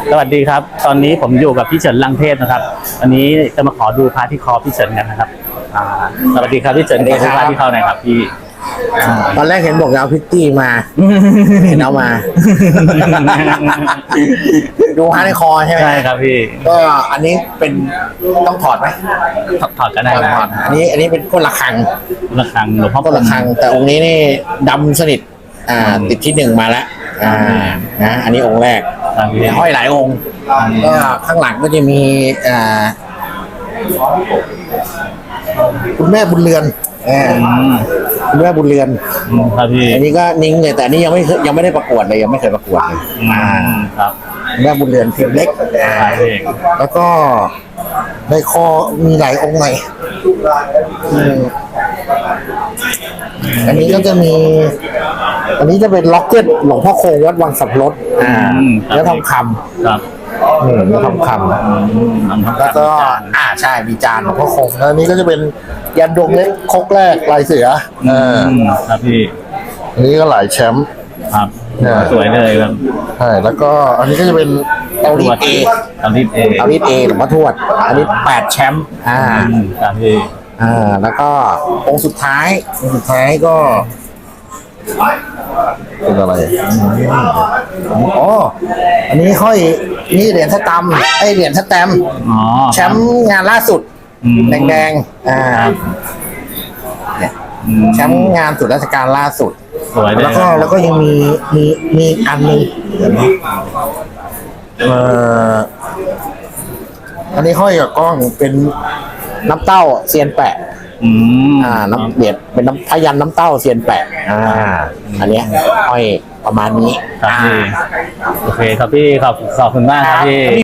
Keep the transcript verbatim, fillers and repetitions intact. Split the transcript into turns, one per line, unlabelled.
สวัสดีครับตอนนี้ผมอยู่กับพี่เฉินลังเทพนะครับวันนี้จะมาขอดูพระที่คอพี่เฉินกันนะครับอ่าสวัสดีครับพี่เฉินขอดูพระที่คอหน่อยครับพี่
ตอนแรกเห็นบอกจะเอาพิตตี้มาเห็นเอามาดูพระในคอใช่ไหม
ใช่ครับพี่
ก็อันนี้เป็นต้องถอดไหม
ถอดก็ได้นะ
ถอดอันนี้อันนี้เป็นก้นระฆัง
ระฆังหลวงพ่อ
ก้นระฆังแต่องค์นี้นี่ดำสนิทอ่าติดที่หนึ่งมาแล้วอ่านะอันนี้องค์แรกห้อยหลายองค์ก็ข้างหลังก็จะมีอ่าคุณแม่บุญเรือนคุณแม่บุญเรือน
ครับพี่
อันนี้ก็นิ่งเลยแต่อันนี้ยังไม่ยังไม่ได้ประกวดเลยยังไม่เคยประกวดเลยอ่า
ครับ
แม่บุญเรือนพิมพ์เล็กแล้วก็ในคอมีหลายองค์หน่อยอันนี้ก็จะมีอันนี้จะเป็นล็อกเก็ตหลวงพ่อคงวัดวังสับรถอ่าแล้วทองคำ
ครับ
อืมแล้วทองคำแล้วก็อ่าใช่มีจานหลวงพ่อคงแล้วนี้ก็จะเป็นยันดวงเล็กคกแรกลายเสืออ่า
ครับพี่
อันนี้ก็หลายแชมป์
ครับสวยเลยครับ
ใช่แล้วก็อันนี้ก็จะเป็นเตารีดเอ
เตารีดเอ
เตารีดเอหลวงพ่อทวดอันนี้แปดแชมป์อ่า
ครับพี่
อ่าแล้วก็องค์สุดท้ายองค์สุดท้ายก็เป็นอะไรอ๋ออันนี้ห้อยนี่เหรียญสแตมป์ไอเหรียญสแตมป์แชมป์งานล่าสุดแดงๆอ่าเนี่ยแชมป์งานสุดราชการล่าสุดแล้วก็แล้วก็ยังมีมีมีอันนึงเอ่ออันนี้ห้อยกับกล้องเป็นน้ำเต้าเซียนแปะอ่าน้ำเบียดเป็นน้ำพยันน้ำเต้าเซียนแปะอ่าอันเนี้ยห้อยประมาณนี้
ครับพี่โอเคครับพี่ขอบขอบคุณมากครับพี่